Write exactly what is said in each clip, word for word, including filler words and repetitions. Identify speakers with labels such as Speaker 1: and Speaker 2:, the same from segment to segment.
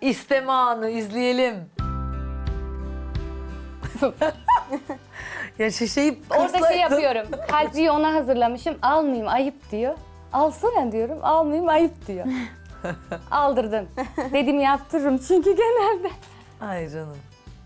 Speaker 1: isteme anı izleyelim. Ya şişeyi
Speaker 2: Orada şey
Speaker 1: kırsaydın.
Speaker 2: yapıyorum. Kalbiyi ona hazırlamışım. Almayayım ayıp diyor. Alsana diyorum. Almayayım ayıp diyor. Aldırdın. Dedim yaptırırım çünkü genelde.
Speaker 1: Ay canım.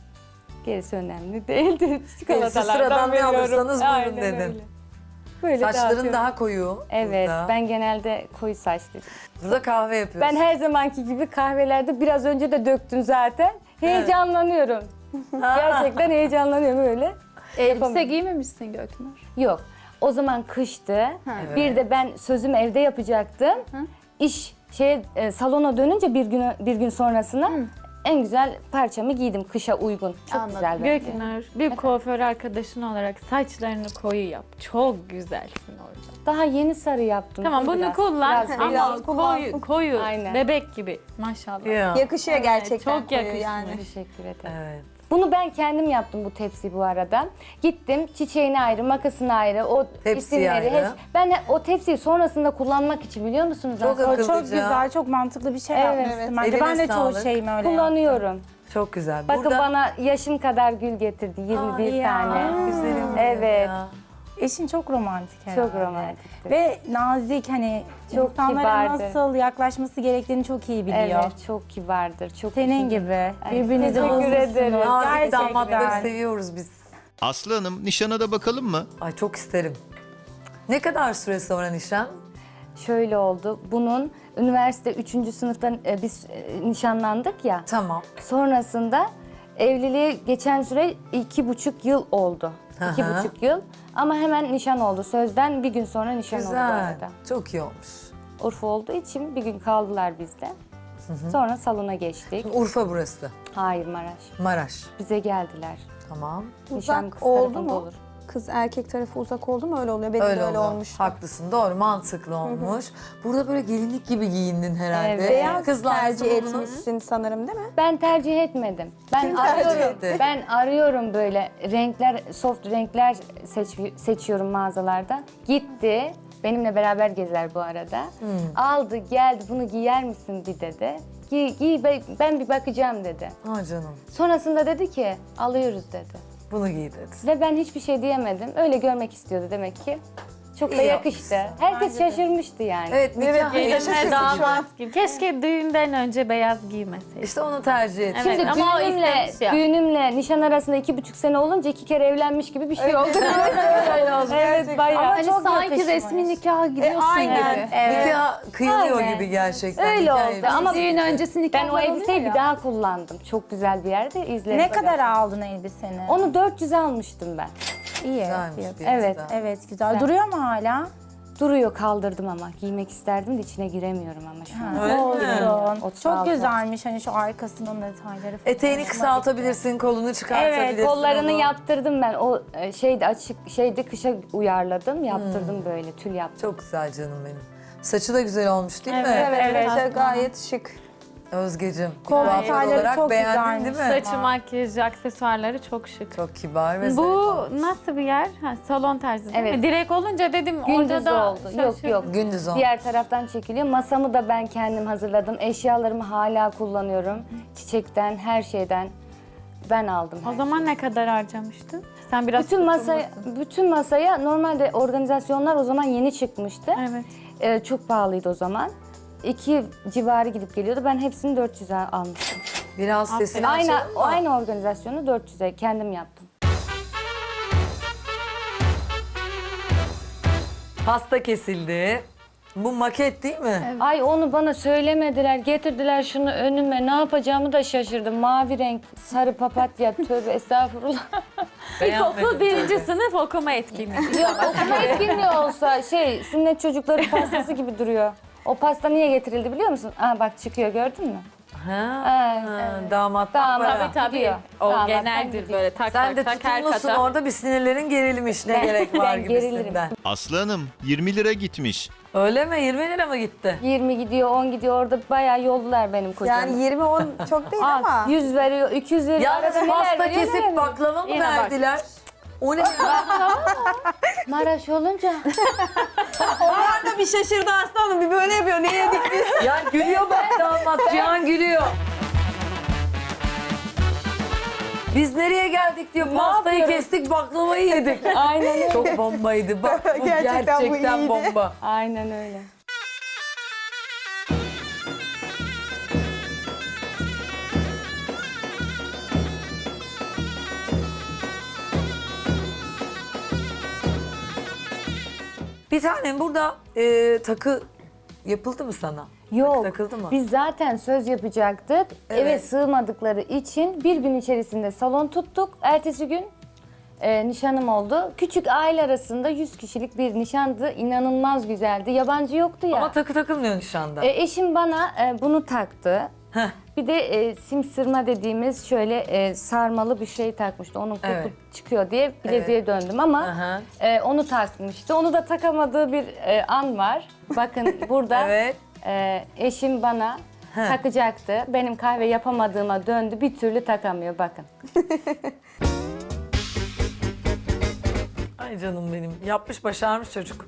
Speaker 2: Gerisi önemli değildi.
Speaker 1: Gerisi
Speaker 2: Çikolatalardan
Speaker 1: sıradan ne
Speaker 2: veriyorum.
Speaker 1: alırsanız buyurun
Speaker 2: Aynen
Speaker 1: dedin.
Speaker 2: öyle. Böyle
Speaker 1: Saçların
Speaker 2: dağıtıyorum.
Speaker 1: daha koyu.
Speaker 2: Evet,
Speaker 1: burada.
Speaker 2: ben genelde koyu saçlıyım.
Speaker 1: Burada kahve yapıyorsun.
Speaker 2: Ben her zamanki gibi kahvelerde biraz önce de döktüm zaten. Heyecanlanıyorum. Gerçekten heyecanlanıyorum öyle.
Speaker 3: Elbise giymemişsin Göknur.
Speaker 2: Yok. O zaman kıştı.
Speaker 1: Evet.
Speaker 2: Bir de ben sözümü evde yapacaktım. İş şey salona dönünce bir gün bir gün sonrasına en güzel parçamı giydim kışa uygun. Çok
Speaker 3: Anladım.
Speaker 2: güzel bence.
Speaker 3: Göknur, bir kuaför arkadaşın olarak saçlarını koyu yap. Çok güzelsin orada.
Speaker 2: Daha yeni sarı yaptım.
Speaker 3: Tamam
Speaker 2: Dur
Speaker 3: bunu
Speaker 2: biraz,
Speaker 3: kullan
Speaker 2: biraz
Speaker 3: ama
Speaker 4: biraz kullansın.
Speaker 3: koyu, koyu
Speaker 2: Aynen.
Speaker 3: bebek gibi maşallah.
Speaker 1: Ya.
Speaker 4: Yakışıyor gerçekten.
Speaker 3: çok
Speaker 4: koyu
Speaker 3: yakışmış.
Speaker 4: yani.
Speaker 2: Teşekkür ederim.
Speaker 1: Evet.
Speaker 2: Bunu ben kendim yaptım bu tepsi bu arada. Gittim çiçeğini ayrı, makasını ayrı, o
Speaker 1: Tepsiyi
Speaker 2: isimleri.
Speaker 1: ayrı.
Speaker 2: hep- ben o tepsiyi sonrasında kullanmak için biliyor musunuz?
Speaker 1: Çok
Speaker 2: aslında?
Speaker 1: akıllıca.
Speaker 5: Çok güzel, çok mantıklı bir şey
Speaker 2: Evet.
Speaker 5: yapmışsın.
Speaker 4: Evet.
Speaker 5: Bence
Speaker 1: Eline
Speaker 5: ben de
Speaker 1: sağlık.
Speaker 5: çoğu şeyimi öyle
Speaker 2: Kullanıyorum.
Speaker 1: Çok güzel.
Speaker 2: Bakın
Speaker 1: Burada...
Speaker 2: bana yaşım kadar gül getirdi. yirmi bir
Speaker 5: Ay ya.
Speaker 2: tane.
Speaker 1: Güzelim benim
Speaker 2: Evet.
Speaker 1: ya.
Speaker 5: Eşin çok romantik herhalde.
Speaker 2: Çok romantiktir.
Speaker 5: Ve nazik, hani
Speaker 2: Çok
Speaker 5: insanlara
Speaker 2: kibardır.
Speaker 5: nasıl yaklaşması gerektiğini çok iyi biliyor.
Speaker 2: Evet, çok kibardır. Çok
Speaker 5: Senin
Speaker 2: üzücü.
Speaker 5: gibi. Birbirinizi
Speaker 2: teşekkür
Speaker 5: bulmuşsunuz.
Speaker 2: ederim.
Speaker 1: Nazik
Speaker 5: Gerçekten.
Speaker 1: damatları seviyoruz biz.
Speaker 6: Aslı Hanım, nişana da bakalım mı?
Speaker 1: Ay çok isterim. Ne kadar süre sonra nişan?
Speaker 2: Şöyle oldu. Bunun üniversite üçüncü sınıftan e, biz e, nişanlandık ya.
Speaker 1: Tamam.
Speaker 2: Sonrasında evliliğe geçen süre iki buçuk yıl oldu. İki
Speaker 1: Aha.
Speaker 2: buçuk yıl. Ama hemen nişan oldu. Sözden bir gün sonra nişan oldu bu
Speaker 1: Güzel.
Speaker 2: arada.
Speaker 1: Çok iyi olmuş.
Speaker 2: Urfa olduğu için bir gün kaldılar bizde. Sonra salona geçtik.
Speaker 1: Urfa burası.
Speaker 2: Hayır Maraş.
Speaker 1: Maraş.
Speaker 2: Bize geldiler.
Speaker 1: Tamam.
Speaker 2: Nişan
Speaker 4: Uzak
Speaker 2: kız
Speaker 4: oldu
Speaker 2: tarafında
Speaker 4: mu?
Speaker 2: olur.
Speaker 4: Kız erkek tarafı uzak oldu mu öyle oluyor. Benim
Speaker 1: Öyle,
Speaker 4: de öyle
Speaker 1: oldu.
Speaker 4: olmuş.
Speaker 1: Haklısın. Doğru. Mantıklı olmuş. Burada böyle gelinlik gibi giyindin herhalde.
Speaker 2: Evet.
Speaker 4: Beyaz
Speaker 1: Kızlar
Speaker 4: tercih
Speaker 1: nasıl buldunuz?
Speaker 4: etmişsin sanırım değil mi?
Speaker 2: Ben tercih etmedim. Ben
Speaker 4: Kim tercih
Speaker 2: arıyorum.
Speaker 1: etti?
Speaker 2: Ben arıyorum böyle renkler, soft renkler seç, seçiyorum mağazalarda. Gitti. Benimle beraber gezer bu arada.
Speaker 1: Hmm.
Speaker 2: Aldı, geldi. Bunu giyer misin bir dedi. Giy, giy be- ben bir bakacağım dedi.
Speaker 1: Ha canım.
Speaker 2: Sonrasında dedi ki alıyoruz dedi.
Speaker 1: Bunu giy dedi.
Speaker 2: Ve ben hiçbir şey diyemedim. Öyle görmek istiyordu demek ki. Çok da
Speaker 1: İyi
Speaker 2: yakıştı.
Speaker 1: yapmışsın.
Speaker 2: Herkes şaşırmıştı yani.
Speaker 1: Evet, nikah
Speaker 4: Evet,
Speaker 1: yaşasın
Speaker 4: yaşasın
Speaker 1: şu an.
Speaker 3: Damat gibi. Keşke düğünden önce beyaz giymeseydin.
Speaker 1: İşte onu tercih et.
Speaker 3: Evet.
Speaker 2: Şimdi
Speaker 3: ama o
Speaker 2: düğünümle,
Speaker 3: istemiş ya.
Speaker 2: düğünümle nişan arasında iki buçuk sene olunca iki kere evlenmiş gibi bir şey oldu. evet
Speaker 4: Gerçekten.
Speaker 2: bayağı.
Speaker 5: Ama
Speaker 3: Hani
Speaker 5: çok
Speaker 3: sanki
Speaker 5: yakışmış.
Speaker 3: resmi nikaha gidiyorsun
Speaker 4: aynen.
Speaker 3: gibi.
Speaker 1: Nikah kıyılıyor
Speaker 2: Aynen.
Speaker 1: gibi gerçekten.
Speaker 2: Öyle
Speaker 1: Nikah
Speaker 2: oldu
Speaker 1: elbisesi.
Speaker 2: ama
Speaker 3: Düğün öncesi nikahlar
Speaker 2: ben o elbiseyi
Speaker 3: oluyor
Speaker 2: bir
Speaker 3: ya.
Speaker 2: daha kullandım. Çok güzel bir yerde izledim.
Speaker 5: Ne kadar aldın elbiseni?
Speaker 2: Onu dört yüze almıştım ben.
Speaker 5: iyi.
Speaker 1: Güzelmiş
Speaker 5: fiyatı.
Speaker 1: fiyatı
Speaker 2: Evet,
Speaker 1: da.
Speaker 5: Evet, güzel. Duruyor mu hala?
Speaker 2: Duruyor kaldırdım ama. Giymek isterdim de içine giremiyorum ama şu an.
Speaker 1: Öyle mi?
Speaker 5: Olsun.
Speaker 2: otuz
Speaker 5: Çok
Speaker 2: altı.
Speaker 5: güzelmiş hani şu arkasının detayları falan.
Speaker 1: Eteğini
Speaker 5: Hoşuma
Speaker 1: kısaltabilirsin, kolunu çıkartabilirsin.
Speaker 2: Evet, kollarını
Speaker 1: onu.
Speaker 2: yaptırdım ben. O e, şeydi açık şeydi kışa uyarladım. Yaptırdım böyle tül yaptım.
Speaker 1: Çok güzel canım benim. Saçı da güzel olmuş değil mi?
Speaker 5: Evet,
Speaker 4: Evet, evet,
Speaker 5: evet.
Speaker 4: gayet şık.
Speaker 1: Özgeciğim,
Speaker 5: Kol
Speaker 1: kuaför
Speaker 5: detayları
Speaker 1: olarak
Speaker 5: çok
Speaker 1: beğendin
Speaker 5: güzelmiş.
Speaker 1: değil mi?
Speaker 3: Saçı, makyajı, aksesuarları çok şık.
Speaker 1: Çok kibar ve zevk
Speaker 3: Bu
Speaker 1: almış.
Speaker 3: nasıl bir yer? Ha, salon tarzı değil
Speaker 2: Evet.
Speaker 3: mi? Direkt olunca dedim orada
Speaker 2: Gündüz
Speaker 3: da
Speaker 2: oldu. Yok
Speaker 3: şaşırdım.
Speaker 2: yok.
Speaker 1: Gündüz oldu.
Speaker 2: Diğer taraftan çekiliyor. Masamı da ben kendim hazırladım. Eşyalarımı hala kullanıyorum. Çiçekten, her şeyden ben aldım.
Speaker 3: O
Speaker 2: her
Speaker 3: zaman
Speaker 2: şeyi.
Speaker 3: ne kadar harcamıştın? Sen biraz
Speaker 2: bütün masaya, bütün masaya normalde organizasyonlar o zaman yeni çıkmıştı.
Speaker 3: Evet.
Speaker 2: Ee, çok pahalıydı o zaman. İki civarı gidip geliyordu. Ben hepsini dört yüze almıştım.
Speaker 1: Biraz sesini
Speaker 2: Aynı
Speaker 1: açalım mı?
Speaker 2: aynı organizasyonu dört yüze kendim yaptım.
Speaker 1: Pasta kesildi. Bu maket değil mi?
Speaker 2: Ay onu bana söylemediler. Getirdiler şunu önüme. Ne yapacağımı da şaşırdım. Mavi renk, sarı papatya. Tövbe estağfurullah.
Speaker 1: Beğenmedim
Speaker 3: İlkokul birinci
Speaker 1: tabii.
Speaker 3: sınıf okuma etkinliği.
Speaker 2: Yok okuma etkinliği olsa şey sünnet çocukları pastası gibi duruyor. O pasta niye getirildi biliyor musun? Aa bak çıkıyor gördün mü?
Speaker 1: Ha,
Speaker 2: Evet,
Speaker 1: ha, damatlık
Speaker 2: Damat.
Speaker 1: para.
Speaker 3: Tabii tabii.
Speaker 2: Gidiyor.
Speaker 3: O
Speaker 2: Damattan
Speaker 3: geneldir
Speaker 2: gidiyor.
Speaker 3: böyle tak
Speaker 1: Sen de
Speaker 3: tak tak her
Speaker 1: tutumlusun
Speaker 3: kata.
Speaker 1: orada, bir sinirlerin gerilmiş. Ne
Speaker 2: Ben-
Speaker 1: gerek var
Speaker 2: ben gerilirim.
Speaker 1: gibisinden.
Speaker 6: Aslı Hanım, yirmi lira gitmiş.
Speaker 1: Öyle mi? yirmi lira mı gitti?
Speaker 2: yirmi gidiyor, on gidiyor. Orada bayağı yoldular benim kocamı.
Speaker 4: Yani yirmi on çok değil ama.
Speaker 2: yüz veriyor, iki yüz veriyor.
Speaker 1: Yalnız
Speaker 2: Arada neler
Speaker 1: pasta
Speaker 2: veriyor, neler
Speaker 1: kesip
Speaker 2: veriyor?
Speaker 1: baklava mı
Speaker 3: Yine bak.
Speaker 1: verdiler? O ne?
Speaker 2: Maraş olunca.
Speaker 4: Onlar da bir şaşırdı aslanım. Bir böyle yapıyor. Ne yedik biz?
Speaker 1: Ya gülüyor bak damat. Cihan gülüyor. Biz nereye geldik diyor. Pastayı kestik, baklavayı yedik.
Speaker 2: Aynen öyle.
Speaker 1: Çok bombaydı. Bak bu
Speaker 4: Gerçekten
Speaker 1: gerçekten,
Speaker 4: bu iyiydi.
Speaker 1: bomba.
Speaker 2: Aynen öyle.
Speaker 1: Bir tanem burada e, takı yapıldı mı sana?
Speaker 2: Yok.
Speaker 1: Takıldı mı?
Speaker 2: Biz zaten söz yapacaktık. Eve
Speaker 1: Evet.
Speaker 2: sığmadıkları için bir gün içerisinde salon tuttuk. Ertesi gün e, nişanım oldu. Küçük aile arasında yüz kişilik bir nişandı. İnanılmaz güzeldi. Yabancı yoktu ya.
Speaker 1: Ama takı takılmıyor nişanda.
Speaker 2: E, eşim bana e, bunu taktı.
Speaker 1: Heh.
Speaker 2: Bir de e, simsırma dediğimiz şöyle e, sarmalı bir şey takmıştı. Onun koku
Speaker 1: Evet.
Speaker 2: çıkıyor diye bileziğe döndüm ama
Speaker 1: Aha.
Speaker 2: e, onu takmıştı. Onu da takamadığı bir e, an var. Bakın burada
Speaker 1: Evet.
Speaker 2: e, eşim bana
Speaker 1: Heh.
Speaker 2: takacaktı. Benim kahve yapamadığıma döndü. Bir türlü takamıyor bakın.
Speaker 1: Ay canım benim. Yapmış başarmış çocuk.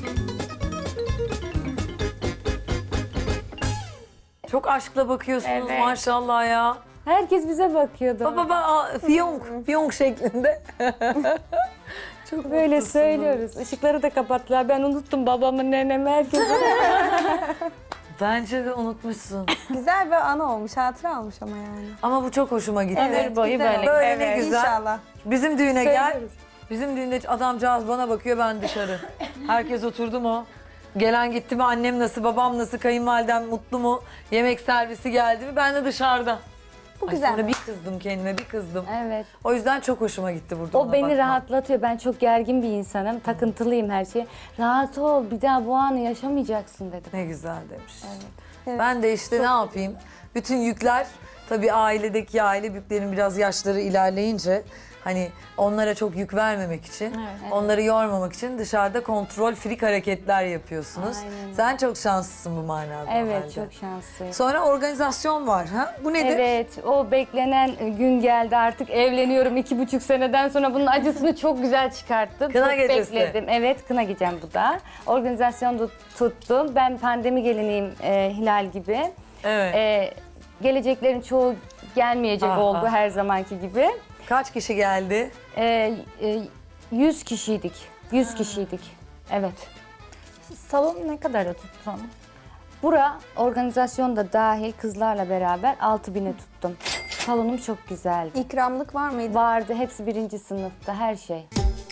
Speaker 1: Çok aşkla bakıyorsunuz
Speaker 2: Evet.
Speaker 1: maşallah ya.
Speaker 2: Herkes bize bakıyordu.
Speaker 1: Baba baba fiyonk, fiyonk şeklinde. Çok
Speaker 2: Böyle
Speaker 1: mutlusunuz.
Speaker 2: söylüyoruz. Işıkları da kapattılar. Ben unuttum babamı, nenemi, herkesi.
Speaker 1: Bence de unutmuşsun.
Speaker 4: Güzel bir anı olmuş, hatıra olmuş ama yani.
Speaker 1: Ama bu çok hoşuma gitti.
Speaker 4: Evet,
Speaker 3: boyu
Speaker 4: güzel
Speaker 3: böyle.
Speaker 4: olmuş.
Speaker 1: Böyle ne
Speaker 4: Evet.
Speaker 1: güzel.
Speaker 4: İnşallah.
Speaker 1: Bizim düğüne gel.
Speaker 2: Söylüyoruz.
Speaker 1: Bizim düğünde adamcağız bana bakıyor, ben dışarı. Herkes oturdu mu? Gelen gitti mi? Annem nasıl, babam nasıl, kayınvalidem mutlu mu? Yemek servisi geldi mi? Ben de dışarıda.
Speaker 4: Bu
Speaker 1: Ay
Speaker 4: güzel.
Speaker 1: sonra bir kızdım kendime, bir kızdım.
Speaker 2: Evet.
Speaker 1: O yüzden çok hoşuma gitti burada
Speaker 2: O
Speaker 1: ona
Speaker 2: beni
Speaker 1: bakmak.
Speaker 2: rahatlatıyor. Ben çok gergin bir insanım. Takıntılıyım her şeye. Rahat ol, bir daha bu anı yaşamayacaksın dedim.
Speaker 1: Ne güzel demiş.
Speaker 4: Evet.
Speaker 1: Ben de işte ne yapayım? Bütün yükler, tabii ailedeki aile büyüklerin biraz yaşları ilerleyince hani onlara çok yük vermemek için,
Speaker 3: Evet.
Speaker 1: onları yormamak için dışarıda kontrol frik hareketler yapıyorsunuz.
Speaker 2: Aynen.
Speaker 1: Sen çok şanslısın bu manada. o
Speaker 2: Evet,
Speaker 1: halde.
Speaker 2: çok şanslıyım.
Speaker 1: Sonra organizasyon var ha? Bu nedir?
Speaker 2: Evet, o beklenen gün geldi artık. Evleniyorum iki buçuk seneden sonra bunun acısını çok güzel çıkarttım.
Speaker 1: Kına
Speaker 2: çok
Speaker 1: gecesi.
Speaker 2: bekledim. Evet, kına gecem bu da. Organizasyon da tuttum. Ben pandemi geliniyim e, Hilal gibi.
Speaker 1: Evet.
Speaker 2: E, geleceklerin çoğu gelmeyecek
Speaker 1: Ah,
Speaker 2: oldu
Speaker 1: ah.
Speaker 2: her zamanki gibi.
Speaker 1: Kaç kişi geldi?
Speaker 2: E, e, yüz kişiydik. Yüz kişiydik. Evet.
Speaker 5: Salonu ne kadara tuttun?
Speaker 2: Bura organizasyonda dahil kızlarla beraber altı bine tuttum. Salonum çok güzeldi.
Speaker 4: İkramlık var mıydı?
Speaker 2: Vardı, hepsi birinci sınıfta, her şey.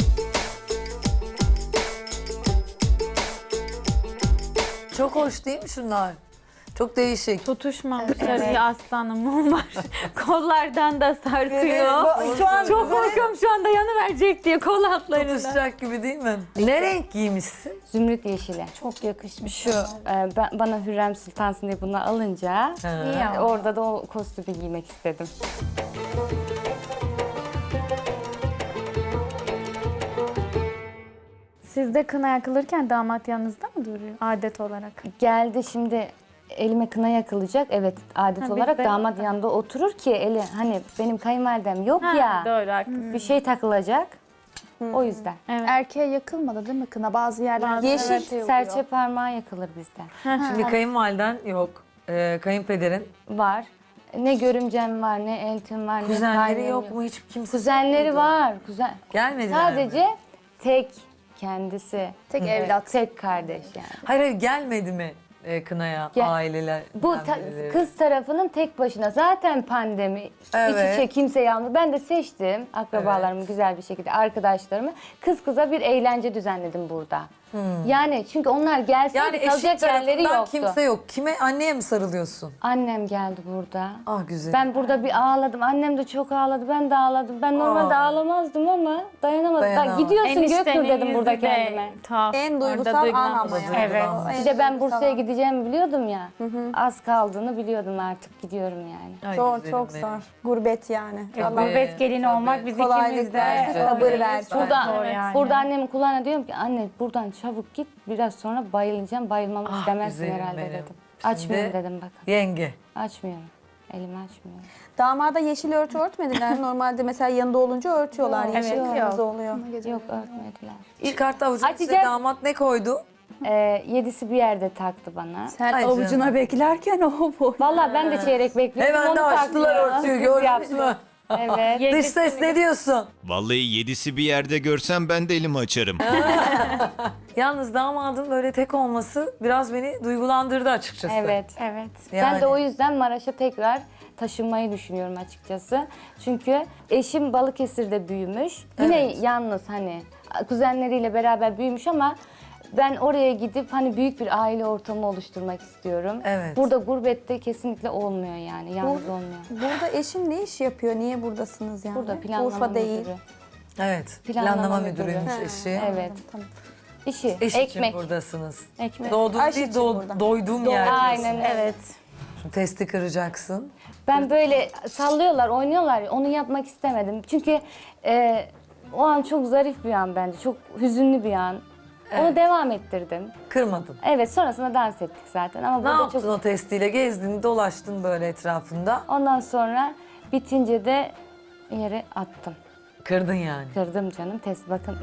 Speaker 1: Çok hoş değil mi şunlar? Çok değişik.
Speaker 3: Tutuşmamış evet. Aslanım var. Kollardan da sarkıyor.
Speaker 4: Bu- Şu an
Speaker 3: Çok korkuyorum şu anda yanıverecek diye kol altlarına.
Speaker 1: Tutuşacak gibi değil mi? Ne renk giymişsin?
Speaker 2: Zümrüt yeşili.
Speaker 5: Çok yakışmış.
Speaker 2: Şu e, ben, bana Hürrem Sultansın diye bunu alınca
Speaker 1: Ha.
Speaker 5: İyi ama.
Speaker 2: orada da o kostümü giymek istedim.
Speaker 3: Sizde kına yakılırken damat yanınızda mı duruyor adet olarak?
Speaker 2: Geldi şimdi elime kına yakılacak. Evet, adet
Speaker 3: Ha,
Speaker 2: olarak
Speaker 3: bizde-
Speaker 2: damat yanında oturur ki eli hani benim kayınvalidem yok ya.
Speaker 3: Doğru haklısın.
Speaker 2: Bir şey takılacak. O yüzden.
Speaker 3: Evet.
Speaker 5: Erkeğe yakılmadı değil mi kına? Bazı yerlerde
Speaker 4: Yeşil
Speaker 5: evet, yakılıyor.
Speaker 2: Serçe parmağı yakılır bizden.
Speaker 1: Şimdi kayınvaliden yok. Ee, kayınpederin.
Speaker 2: Var. Ne görümcem var, ne eltim var, ne
Speaker 1: Kuzenleri
Speaker 2: kaynım
Speaker 1: yok mu? Hiç kimse
Speaker 2: Kuzenleri
Speaker 1: yok muydu?
Speaker 2: var. Kuzen.
Speaker 1: Gelmediler
Speaker 2: Sadece
Speaker 1: mi?
Speaker 2: tek kendisi.
Speaker 5: Tek
Speaker 2: Evet,
Speaker 5: evlat.
Speaker 2: Tek kardeş yani.
Speaker 1: Hayır hayır gelmedi mi e, kınaya
Speaker 2: Gel-
Speaker 1: aileler?
Speaker 2: Bu ta- kız tarafının tek başına. Zaten pandemi.
Speaker 1: Evet.
Speaker 2: İç içe kimse yalnız. Ben de seçtim akrabalarımı güzel bir şekilde, arkadaşlarımı. Kız kıza bir eğlence düzenledim burada. Yani çünkü onlar gelseydi
Speaker 1: Yani eşit
Speaker 2: kalacak yerleri
Speaker 1: tarafından
Speaker 2: yoktu.
Speaker 1: kimse yok. Kime? Anneye mi sarılıyorsun?
Speaker 2: Annem geldi burada.
Speaker 1: Ah güzel.
Speaker 2: Ben burada bir ağladım. Annem de çok ağladı. Ben de ağladım. Ben normalde
Speaker 1: Aa.
Speaker 2: ağlamazdım ama dayanamadım.
Speaker 1: Dayanamadım.
Speaker 2: Da, gidiyorsun
Speaker 3: Eniştenin
Speaker 2: Göknur dedim
Speaker 3: yüzü
Speaker 2: burada
Speaker 3: de
Speaker 2: kendime.
Speaker 3: tuhaf.
Speaker 4: En
Speaker 3: Orada
Speaker 4: duygusal an
Speaker 3: duygulanmış.
Speaker 4: ama yani.
Speaker 3: Evet.
Speaker 4: O en
Speaker 2: Bir de ben
Speaker 4: duygusal
Speaker 2: Bursa'ya
Speaker 4: an.
Speaker 2: gideceğimi biliyordum ya. Az kaldığını biliyordum, artık gidiyorum yani.
Speaker 1: Ay
Speaker 4: Zor,
Speaker 1: güzelim
Speaker 4: çok
Speaker 1: benim.
Speaker 4: zor. Gurbet yani.
Speaker 1: Tabii,
Speaker 4: Allah
Speaker 3: Gurbet gelini
Speaker 1: tabii.
Speaker 3: olmak biz
Speaker 4: Kolaylık
Speaker 3: ikimiz de.
Speaker 4: versin, sabır versin.
Speaker 2: Burada,
Speaker 3: Zor yani.
Speaker 2: burada annemin kulağına diyorum ki anne buradan çabuk git, biraz sonra bayılacağım, bayılmamı
Speaker 1: Ah,
Speaker 2: istemezsin
Speaker 1: güzelim
Speaker 2: herhalde
Speaker 1: benim.
Speaker 2: dedim.
Speaker 1: Şimdi-
Speaker 2: Açmıyorum dedim bakın.
Speaker 1: Yenge.
Speaker 2: Açmıyorum. Elimi açmıyorum.
Speaker 4: Damada yeşil örtü örtmediler. Normalde mesela yanında olunca örtüyorlar.
Speaker 2: Yok,
Speaker 4: Yeşil
Speaker 3: evet.
Speaker 4: kırmızı oluyor.
Speaker 2: Yok, örtmediler.
Speaker 1: Çıkarttı avucunu size
Speaker 2: Açacağım.
Speaker 1: damat ne koydu?
Speaker 2: Ee, yedisi bir yerde taktı bana.
Speaker 5: Sen
Speaker 1: Ay
Speaker 5: avucuna
Speaker 1: canım.
Speaker 5: beklerken o bu.
Speaker 2: Vallahi ben de çeyrek bekliyordum.
Speaker 1: Hemen
Speaker 2: onu
Speaker 1: de açtılar
Speaker 2: taktı ya.
Speaker 1: örtüyü
Speaker 2: Kız
Speaker 1: gördünüz
Speaker 2: yaptı.
Speaker 1: mü?
Speaker 2: Evet.
Speaker 1: Dış ses ne diyorsun?
Speaker 6: Vallahi yedisi bir yerde görsem ben de elimi açarım.
Speaker 1: Yalnız damadım böyle tek olması biraz beni duygulandırdı açıkçası.
Speaker 2: Evet.
Speaker 3: Evet.
Speaker 1: Yani.
Speaker 2: Ben de o yüzden Maraş'a tekrar taşınmayı düşünüyorum açıkçası. Çünkü eşim Balıkesir'de büyümüş. Yine
Speaker 1: Evet.
Speaker 2: yalnız hani kuzenleriyle beraber büyümüş ama ben oraya gidip hani büyük bir aile ortamı oluşturmak istiyorum.
Speaker 1: Evet.
Speaker 2: Burada gurbette kesinlikle olmuyor yani. Yalnız olmuyor.
Speaker 4: Burada eşin ne iş yapıyor? Niye buradasınız yani?
Speaker 2: Burada planlama
Speaker 4: Urfa değil.
Speaker 2: müdürü.
Speaker 1: Evet.
Speaker 2: Planlama
Speaker 1: Planlama,
Speaker 2: müdürü.
Speaker 1: müdürüymüş
Speaker 4: Ha,
Speaker 1: eşi.
Speaker 2: Evet. İşi,
Speaker 1: Eş için
Speaker 2: ekmek.
Speaker 1: buradasınız.
Speaker 2: Ekmek.
Speaker 1: Doğduğum
Speaker 4: Aş
Speaker 1: değil,
Speaker 4: için
Speaker 1: doğ-
Speaker 4: burada.
Speaker 1: doyduğum yer diyorsun.
Speaker 2: Aynen evet.
Speaker 1: Şimdi testi kıracaksın.
Speaker 2: Ben böyle sallıyorlar, oynuyorlar. Onu yapmak istemedim. Çünkü e, o an çok zarif bir an bence. Çok hüzünlü bir an. Onu devam ettirdim.
Speaker 1: Kırmadın.
Speaker 2: Evet, sonrasında dans ettik zaten. Ama
Speaker 1: Ne
Speaker 2: burada
Speaker 1: yaptın
Speaker 2: çok...
Speaker 1: o testiyle? Gezdin, dolaştın böyle etrafında.
Speaker 2: Ondan sonra bitince de yere attım.
Speaker 1: Kırdın yani.
Speaker 2: Kırdım canım. Test bakın.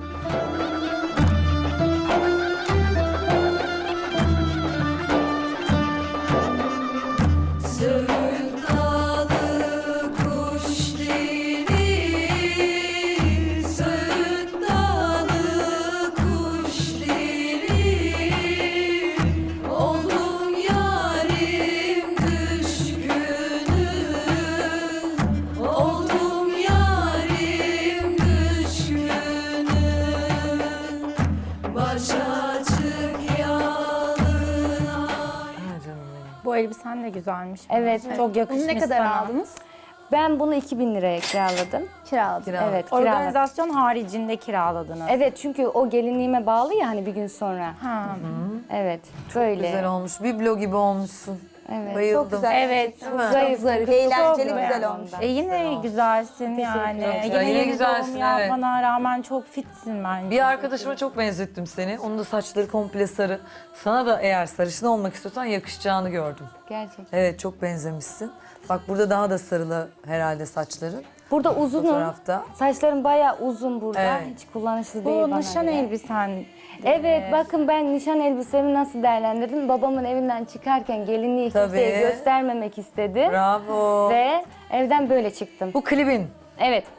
Speaker 1: Ha canım benim.
Speaker 5: Bu elbisen de güzelmiş.
Speaker 2: Evet.
Speaker 5: Çok yakışmış
Speaker 4: Bunu ne kadar
Speaker 5: sana.
Speaker 4: aldınız?
Speaker 2: Ben bunu iki bin liraya kiraladım.
Speaker 4: Kiraladım.
Speaker 1: Kiraladın.
Speaker 2: Evet, kiraladım.
Speaker 5: Organizasyon haricinde kiraladınız.
Speaker 2: Evet, çünkü o gelinliğime bağlı ya hani bir gün sonra.
Speaker 5: Ha.
Speaker 2: Evet, böyle.
Speaker 1: Güzel olmuş. Biblo gibi olmuşsun.
Speaker 2: Evet.
Speaker 1: Bayıldım.
Speaker 4: Çok güzel.
Speaker 5: Evet.
Speaker 1: Değil mi?
Speaker 2: Zayıf,
Speaker 4: Zarif, eğlenceli,
Speaker 2: Çok
Speaker 4: güzel
Speaker 2: beğendim
Speaker 4: olmuş.
Speaker 2: ben.
Speaker 5: E yine güzelsin yani.
Speaker 1: Çok güzel.
Speaker 5: Yine,
Speaker 1: Yine
Speaker 5: yeni
Speaker 1: güzelsin,
Speaker 5: doğum
Speaker 1: evet.
Speaker 5: yapmana rağmen çok fitsin bence.
Speaker 1: Bir arkadaşıma çok benzettim seni. Onun da saçları komple sarı. Sana da eğer sarışın olmak istiyorsan yakışacağını gördüm.
Speaker 2: Gerçekten.
Speaker 1: Evet, çok benzemişsin. Bak burada daha da sarılı herhalde saçların.
Speaker 2: Burada uzunum.
Speaker 1: Fotoğrafta.
Speaker 2: Saçlarım bayağı uzun burada.
Speaker 1: Evet.
Speaker 2: Hiç kullanışlı değil
Speaker 5: Bu
Speaker 2: bana
Speaker 5: nişan
Speaker 2: göre.
Speaker 5: elbisen.
Speaker 2: Evet, bakın ben nişan elbisemi nasıl değerlendirdim. Babamın evinden çıkarken gelinliği
Speaker 1: Tabii.
Speaker 2: kimseye göstermemek istedim.
Speaker 1: Bravo.
Speaker 2: Ve evden böyle çıktım.
Speaker 1: Bu klibin.
Speaker 2: Evet,